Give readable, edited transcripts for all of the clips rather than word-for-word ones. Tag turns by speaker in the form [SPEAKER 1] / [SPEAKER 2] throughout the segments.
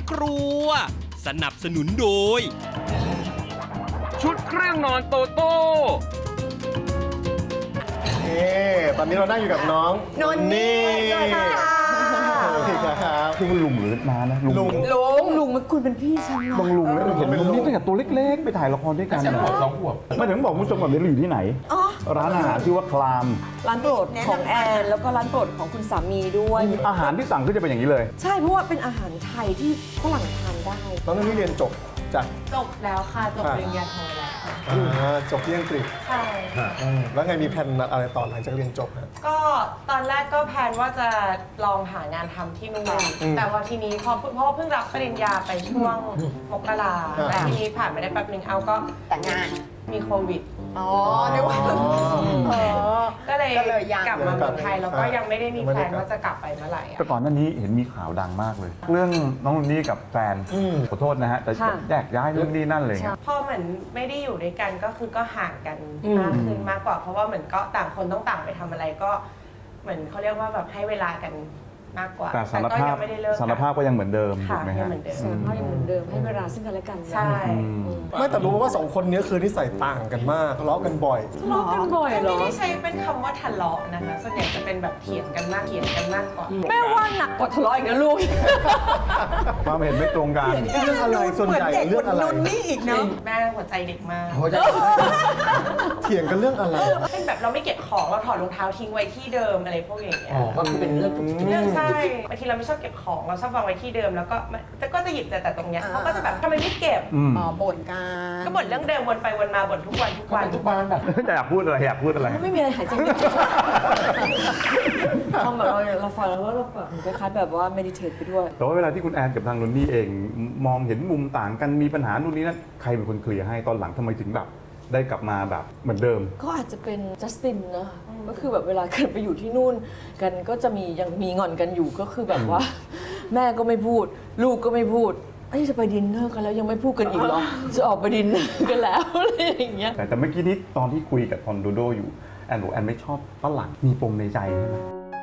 [SPEAKER 1] ครัวสนับสนุนโดยชุดเครื่องนอนโตโต้
[SPEAKER 2] ตอนนี้เรานั่งอยู่กับน้อง
[SPEAKER 3] นนนี่สวัสดีค่ะ
[SPEAKER 2] สวัสดีครับ
[SPEAKER 4] ชื่อว่าลุงหรือน้านะลุง
[SPEAKER 3] ลุงมันคุณเป็นพี่ฉัน
[SPEAKER 4] บางลุงนะเห็นลุงนี่ตั้งแต่ตัวเล็กๆ ไปถ่ายละครด้วยกัน2 ขวบไม่ถึงบอกคุณผู้ชมก่อนเรียนอยู่ที่ไหนร้านอาหารชื่อว่าคลาม
[SPEAKER 3] ร้านโปรดของแอนแล้วก็ร้านโปรดของคุณสามีด้วย
[SPEAKER 4] อาหารที่สั่งก็จะเป็นอย่างนี้เลย
[SPEAKER 3] ใช่เพราะว่าเป็นอาหารไทยที่ฝรั่งทานได้
[SPEAKER 2] น้องนี่เรียนจบจาก
[SPEAKER 5] จบแล้วค่ะจบปริญญาโทแล้ว
[SPEAKER 2] จบที่อังกฤษ
[SPEAKER 5] ใช่
[SPEAKER 2] แล้วไงมีแผนอะไรต่อหลังจากเรียนจบฮะ
[SPEAKER 5] ก็ตอนแรกก็แพลนว่าจะลองหางานทำที่นู่นแต่ว่าทีนี้เพราะเพิ่งรับปริญญาไปช่วงมกราแต่ทีนี้ผ่านไปได้แป๊บนึงเอาก็
[SPEAKER 3] แต่งงาน
[SPEAKER 5] มีโควิด
[SPEAKER 3] อ๋อนึกว่า
[SPEAKER 5] ก็เลย
[SPEAKER 3] ยัง
[SPEAKER 5] กลับมาเมืองไทยแล้วก็ยังไม่ได้มีแพลนว่าจะกลับไปเมื่อไหร่อะ
[SPEAKER 4] แต่ก่อนหน้านี้เห็นมีข่าวดังมากเลย เรื่องน้องนี่กับแฟนขอโทษนะฮะแต่แยกย้ายเรื่องนี้นั่นเลย
[SPEAKER 5] พอเหมือนไม่ได้อยู่ด้วยกันก็คือก็ห่างกันมากขึ้นมากกว่า เพราะว่าเหมือนก็ต่างคนต้องต่างไปทำอะไรก็เหมือนเขาเรียกว่าแบบให้เวลากันมากกว่า
[SPEAKER 4] แต่สาร
[SPEAKER 5] ก็
[SPEAKER 4] ภา
[SPEAKER 5] ยั
[SPEAKER 4] พ
[SPEAKER 5] ไม่ได้เลิกกัน
[SPEAKER 4] สารภาพก็ยังเหมือนเดิมถู
[SPEAKER 5] ค่ะ
[SPEAKER 4] กไหม
[SPEAKER 5] ยัง
[SPEAKER 4] ฮะ
[SPEAKER 5] เหมือนเดิม
[SPEAKER 3] พ่อยังเหมือนเดิมให้เวลาซึ่งกันและกันนะ
[SPEAKER 5] ใช่
[SPEAKER 2] ไม่แต่รู้ว่าสองคนนี้คือนิสัยต่างกันมากทะเลาะกันบ่อย
[SPEAKER 3] ทะเลาะกันบ่อยเหร
[SPEAKER 5] ไม่
[SPEAKER 3] อ
[SPEAKER 5] ได้ใช้เป็นคำว่าทะเลาะนะคะส่วนใหญ่จะเป็นแบบเถียงกันมากกว่า
[SPEAKER 3] แม่ว่าหนักกว่าทะเลาะอีกนะลูก
[SPEAKER 4] ความเห็นไม่ตรงกัน
[SPEAKER 2] เรื่องอะไรส่วนใหญ่เรื่องอะไร
[SPEAKER 5] แม่หัวใจเด็กมาก
[SPEAKER 2] เถียงกันเรื่องอะไร
[SPEAKER 5] เป็นแบบเราไม่เก็บของเราถอดรองเท้าทิ้งไว้ที่เดิมอะไรพวกอย่างเงี้ย
[SPEAKER 6] ก็คือเป็นเรื่อง
[SPEAKER 5] เรื่องใช่บางทีเราไม่ชอบเก็บของเราชอบวางไว้ที่เดิมแล้วก็จะหยิบแต่ตรงเนี้ยเขาก็จะแบบทำไมไม่เก็บ
[SPEAKER 3] บ่นกัน
[SPEAKER 5] ก็บ่นเรื่องเดิมวนไปวนมาบ่นทุกวัน
[SPEAKER 6] ทุกบ้านแบบ
[SPEAKER 4] อยากพูดอะไรอยากพูดอะไร
[SPEAKER 3] ไม่มีอะไรหายใจไม่ออกพอแบบเราฟังแล้วว่าเราแบบคล้ายๆแบบว่าเมดิเทตไปด้วย
[SPEAKER 4] แต่ว่าเวลาที่คุณแอนกับทางนนนี่เองมองเห็นมุมต่างกันมีปัญหานู่นนี่นั่นใครเป็นคนเคลียร์ให้ตอนหลังทำไมถึงแบบได้กลับมาแบบเหมือนเดิม
[SPEAKER 3] ก็อาจจะเป็นจัสตินนะก็คือแบบเวลากันไปอยู่ที่นู่นกันก็จะมียังมีงอนกันอยู่ก็คือแบบว่า แม่ก็ไม่พูด ลูกก็ไม่พูดจะไปดินเนอร์กันแล้วยังไม่พูดกันอีกเหรอ จะออกไปดินเนอร์กันแล้วอะไรอย่างเงี้ย
[SPEAKER 4] แต่เมื่อกี้นี้ตอนที่คุยกับทอนโดโดอยู่แอนบอกแอนไม่ชอบฝรั่งมีปมในใจใช่ไหม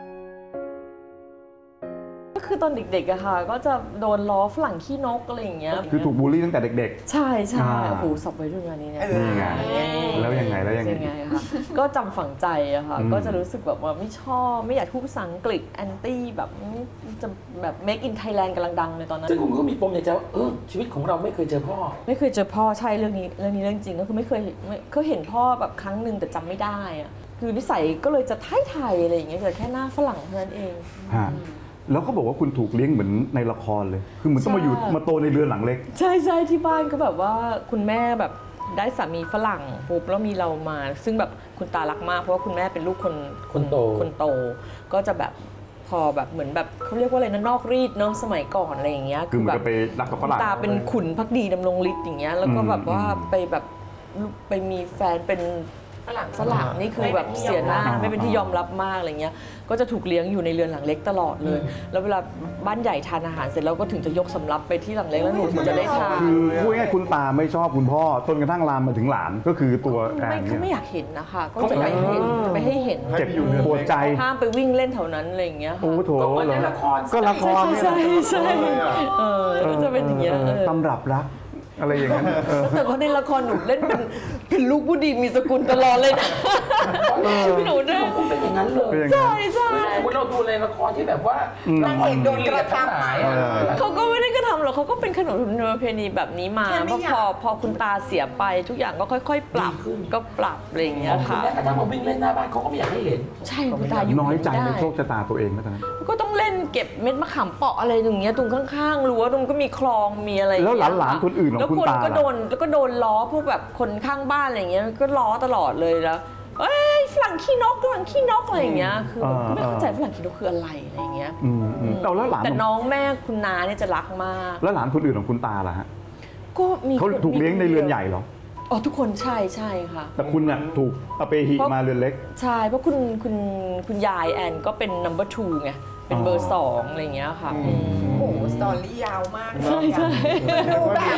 [SPEAKER 3] ก็คือตอนเด็กๆอะค่ะก็จะโดนล้อฝรั่งขี้นกอะไรอย่างเงี้ย
[SPEAKER 4] คือถูกบูลลี่ตั้งแต่เด็ก
[SPEAKER 3] ใช่ใช่
[SPEAKER 4] อ่า
[SPEAKER 3] โอ้โหสับไว้ด้วยงานนี้เนี่ย
[SPEAKER 4] นี่ไงแล้วยังไง
[SPEAKER 3] คะก็จำฝังใจอะค่ะก็จะรู้สึกแบบว่าไม่ชอบไม่อยากพูดภาษาอังกฤษแอนตี้แบบจะแบบ make in Thailand กำลังดังเลยตอนนั้น
[SPEAKER 6] ซึ่งคุณก็มีปมในใจว่าชีวิตของเราไม่เคยเจอพ่อ
[SPEAKER 3] ไม่เคยเจอพ่อใช่เรื่องนี้เรื่องจริงก็คือไม่เคยเห็นพ่อแบบครั้งหนึ่งแต่จำไม่ได้อะคือนิสัยก็เลยจะไทยๆอะไรอย่างเงี้ยแต่แค่หน้าฝรั่งเท่านั้นเอง
[SPEAKER 4] ฮะแล้วเขาบอกว่าคุณถูกเลี้ยงเหมือนในละครเลย คือเหมือนต้องมาอยู่
[SPEAKER 3] ใช่
[SPEAKER 4] มาโตในเรือนหลังเล็ก
[SPEAKER 3] ใช่ที่บ้านก็แบบว่าคุณแม่แบบได้สามีฝรั่งปุ๊บแล้วมีเรามา ซึ่งแบบคุณตารักมากเพราะว่าคุณแม่เป็นลูกคนโตก็จะแบบพอแบบเหมือนแบบเขาเรียกว่าอะไรนะนอกรีดเนาะสมัยก่อนอะไรอย่างเงี้ย
[SPEAKER 4] คือเหมือนกับไปรักกับฝรั่ง
[SPEAKER 3] ตาเป็นขุนพักดีดำรงฤทธิ์อย่างเงี้ยแล้วก็แบบว่าไปแบบไปมีแฟนเป็นฝรั่งนี่คือแบบเสียหน้าไม่เป็นที่ยอมรับมากอะไรเงี้ยก็จะถูกเลี้ยงอยู่ในเรือนหลังเล็กตลอดเลย แล้วเวลาบ้านใหญ่ทานอาหารเสร็จแล้วก็ถึงจะยกสำรับไปที่หลังเล็กแล้วหนูถึงจะได้ทาน
[SPEAKER 4] คือพูดง่ายๆคุณตาไม่ชอบคุณพ่อจนกระทั่งลามมาถึงหลานก็คือตัวแอน
[SPEAKER 3] เขาไม่
[SPEAKER 4] เนี่ย
[SPEAKER 3] อยากเห็นนะคะก็จะไม่ให้เห็นจะไม่ให้เห็น
[SPEAKER 4] เจ็บปวดใจ
[SPEAKER 3] ห้ามไปวิ่งเล่นแถวนั้นอะไรอย่างเงี้ย
[SPEAKER 4] โอ้โถ
[SPEAKER 6] ก็เหมือนในละคร
[SPEAKER 4] ก็ละครเนี่ย
[SPEAKER 3] ใช่ก็จะเป็นอย่างเงี้ย
[SPEAKER 4] ตำรับรักอะไรอย่างนั้น
[SPEAKER 3] แต่ว่าในละครหนูเล่นเป็นลูกผู้ดีมีสกุลตลอดเลยนะหนูได้
[SPEAKER 6] คุณเป็นอย่างนั้นเลย
[SPEAKER 3] ใช่
[SPEAKER 6] เราดูในละครที่แบบว่าละครโดนกระทำหมาย
[SPEAKER 3] เขาก็ไม่ได้กระทำหรอกเขาก็เป็นขนบธรรมเนียมประเพณีแบบนี้มาเพราะพอคุณตาเสียไปทุกอย่างก็ค่อยๆ ปรับก็ปรับอะไรอย่างเงี้ยค่ะ
[SPEAKER 6] แม้กระทั่งมาวิ่งเล่นหน้าบ้านเขาก็ไม่อยากให้เห็น
[SPEAKER 3] ใช่คุณตาอยู่
[SPEAKER 4] น้อยใจ
[SPEAKER 3] ไม่
[SPEAKER 4] ใน
[SPEAKER 3] ได้
[SPEAKER 4] โชคชะตาตัวเองไหมตอนนั้น
[SPEAKER 3] ก็ต้องเล่นเก็บเม็ดมะขามเปาะอะไรอย่างเงี้ยตรงข้างๆรั้วตรงก็มีคลองมีอะไรอย่าง
[SPEAKER 4] แล้ว
[SPEAKER 3] เงี้ย
[SPEAKER 4] หลานๆคนอื่นของคุณตา
[SPEAKER 3] แล้วคนก็โดนแล้วก็โดนล้อพวกแบบคนข้างบ้านอะไรอย่างเงี้ยก็ล้อตลอดเลยแล้วเอ้ยฝรั่งขี้นกอะไรอย่างเงี้ยคือแบบก็ไม่เข้าใจฝรั่งขี้นกคืออะไรอะไรอย่างเงี้ย
[SPEAKER 4] แล้วหลาน
[SPEAKER 3] แต่น้องแม่คุณน้าเนี่ยจะรักมาก
[SPEAKER 4] แล้วหลานคนอื่นของคุณตาล่ะฮะ
[SPEAKER 3] ก็มี
[SPEAKER 4] เขาถูกเลี้ยงในเรือนใหญ่เหรอ
[SPEAKER 3] อ๋อทุกคนใช่ค่ะ
[SPEAKER 4] แต่คุณน่ะถูกอเปหิมาเรือนเล็ก
[SPEAKER 3] ใช่เพราะคุณยายแอนก็เป็น number 2 ไงเป็นเบอร์ 2อะไรอย่างเงี้ยค่ะ
[SPEAKER 5] โอ้โหสตอรี่ยาวมาก
[SPEAKER 3] ใช่
[SPEAKER 5] ดูแบบ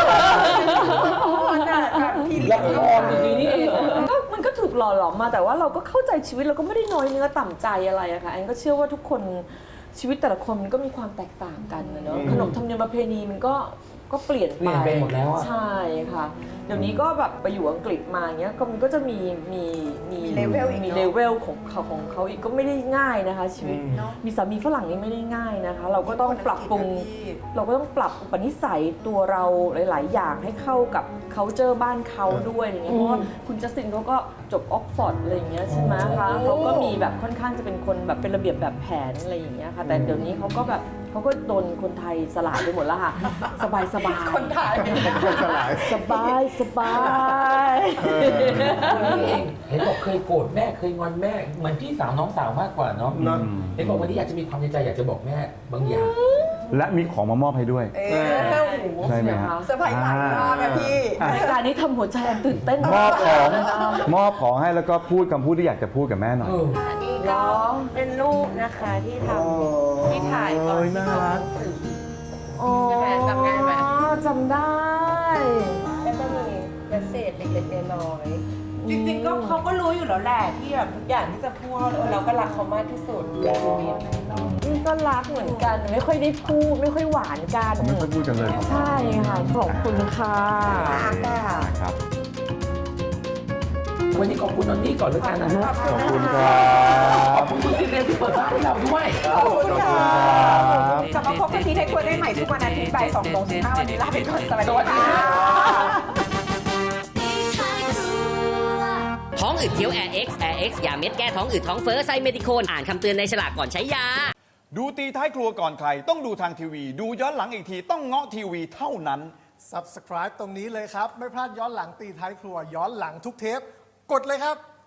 [SPEAKER 6] ละครดีๆนี่เอง
[SPEAKER 3] ก็มันก็ถูกหล่อหลอมมาแต่ว่าเราก็เข้าใจชีวิตเราก็ไม่ได้น้อยเนื้อต่ำใจอะไรอะค่ะแอนก็เชื่อว่าทุกคนชีวิตแต่ละคนมันก็มีความแตกต่างกันนะเนาะขนบธรรมเนียมประเพณีมันก็เปลี่ยน
[SPEAKER 6] เปลี่ยนไปหมดแล้วอะ
[SPEAKER 3] ใช่ค่ะ เดี๋ยวนี้ก็แบบไปอยู่อังกฤษมาเงี้ยก็มันก็จะมีเลเวลของเขาอีกก็ไม่ได้ง่ายนะคะ ชีวิตมีสามีฝรั่งนี่ไม่ได้ง่ายนะคะ เราก็ต้องปรับปรุง เราก็ต้องปรับอุปนิสัยตัวเราหลาย ๆ อย่างให้เข้ากับ culture บ้านเขาด้วยอะไรเงี้ยเพราะว่าคุณจัสตินเขาก็จบออกฟอร์ดอะไรอย่างเงี้ยใช่ไหมคะเขาก็มีแบบค่อนข้างจะเป็นคนแบบเป็นระเบียบแบบแผนอะไรอย่างเงี้ยค่ะแต่เดี๋ยวนี้เขาก็โดนคนไทยสลายไปหมดแล้วค่ะ สบายคนไทยสบาย
[SPEAKER 6] วันนี้เองเห็นบอกเคยโกรธแม่เคยงอนแม่เหมือนพี่สาวน้องสาวมากกว่าเนาะเห็นบอกวันนี้อยากจะมีความในใจอยากจะบอกแม่บางอย่าง
[SPEAKER 4] และมีของมามอบให้ด้วยใช่ไหมฮะ
[SPEAKER 3] เซอร์ไพรส์หลายรอบนะพี่รายการนี้ทำหัวใจอันตื่นเต้น
[SPEAKER 4] มอบของให้แล้วก็พูดคำพูดที่อยากจะพูดกับแม่หน่อย
[SPEAKER 5] อันนี้ก็เป็นรูปนะคะที่ทำที่ถ่ายตอนที่ทำหนังสือ ใช่ไหมจำได้ไหม
[SPEAKER 3] จำได้
[SPEAKER 5] แล้วก็มีเมสเซจเล็กๆน้อยๆจริงๆก็เขาก็รู้อยู่แล้วแหละที่แบบทุกอย่างที่จะพูดเราก็รักเขามากที่สุดในชีวิต
[SPEAKER 3] นี่ก็รักเหมือนกันไม่ค่อยได้พูดไม่ค่อยหวานกัน
[SPEAKER 4] ผมไม่ค่อยพูดกันเลยครับ
[SPEAKER 3] ใช่ค่ะขอบคุณค่ะ
[SPEAKER 4] ครับ
[SPEAKER 6] วันนี้ขอบคุณนนนี่ก่อนแล้วกันนะฮะ
[SPEAKER 4] ขอบคุณครับ
[SPEAKER 6] ขอบคุณคุณซีเรียนที่เปิดบ้านให้เราด้วย
[SPEAKER 4] ขอบคุณครับ
[SPEAKER 7] กลับมาพบกันที่ไทยครัวได้ใหม่ทุกวันอาทิตย์บ่าย2:15วันนี้ลาไปก่อนสวัส
[SPEAKER 6] ส
[SPEAKER 7] ดี
[SPEAKER 6] วัสดี
[SPEAKER 7] ค่ะ
[SPEAKER 6] ค่ะ
[SPEAKER 8] ท้องอืดเคี้ยว Air X ยาเม็ดแก้ท้องอืดท้องเฟ้อไซเมดิโคนอ่านคำเตือนในฉลากก่อนใช้ยา
[SPEAKER 9] ดูตีท้ายครัวก่อนใคร ต้องดูทางทีวี ดูย้อนหลังอีกทีต้องเงาะทีวีเท่านั้น
[SPEAKER 2] Subscribe ตรงนี้เลยครับ ไม่พลาดย้อนหลังตีท้ายครัวย้อนหลังทุกเทป กดเลยครับ